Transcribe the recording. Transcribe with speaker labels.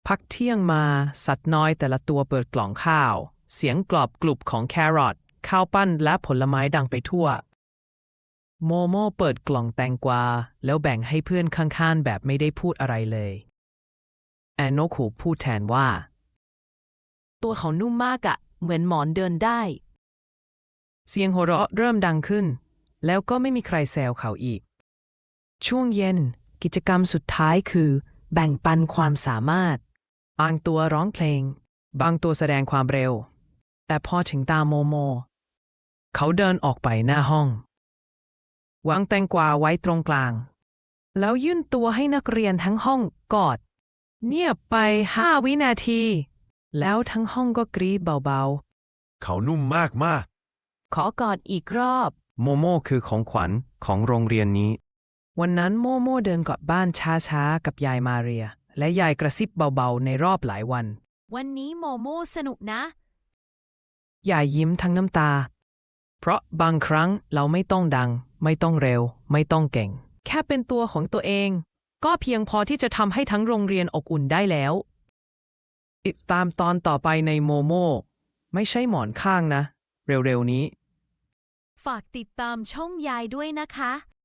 Speaker 1: พักเที่ยงมาสัตว์น้อยแต่ละตัวเปิดกล่องข้าวเสียงกรอบกรุบของแครอทข้าวปั้นและผลไม้ดังไปทั่วโมโม่เปิดกล่องแตงกวาแล้วแบ่งให้เพื่อนข้างๆแบบไม่ได้พูดอะไรเลยแอนโนคูพูดแทนว่า
Speaker 2: ตัวเขานุ่มมากอะเหมือนหมอนเดินได้
Speaker 1: เสียงหัวเราะเริ่มดังขึ้นแล้วก็ไม่มีใครแซวเขาอีกช่วงเย็นกิจกรรมสุดท้ายคือแบ่งปันความสามารถบางตัวร้องเพลงบางตัวแสดงความเร็วแต่พอถึงตาโมโมเขาเดินออกไปหน้าห้องวางแตงกวาไว้ตรงกลางแล้วยื่นตัวให้นักเรียนทั้งห้องกอดเงียบไป5 วินาทีแล้วทั้งห้องก็กรี๊ดเบาๆ
Speaker 3: เขานุ่มมาก
Speaker 2: ขอกอดอีกรอบ
Speaker 1: โมโม่คือของขวัญของโรงเรียนนี้วันนั้นโมโม่เดินกลับบ้านช้าๆกับยายมาเรียและยายกระซิบเบาๆในรอบหลายวัน
Speaker 2: วันนี้โมโม่สนุกนะ
Speaker 1: ยายยิ้มทั้งน้ำตาเพราะบางครั้งเราไม่ต้องดังไม่ต้องเร็วไม่ต้องเก่งแค่เป็นตัวของตัวเองก็เพียงพอที่จะทำให้ทั้งโรงเรียนอบอุ่นได้แล้วติดตามตอนต่อไปในโมโม่ไม่ใช่หมอนข้างนะเร็วๆนี้
Speaker 2: ฝากติดตามช่องยายด้วยนะคะ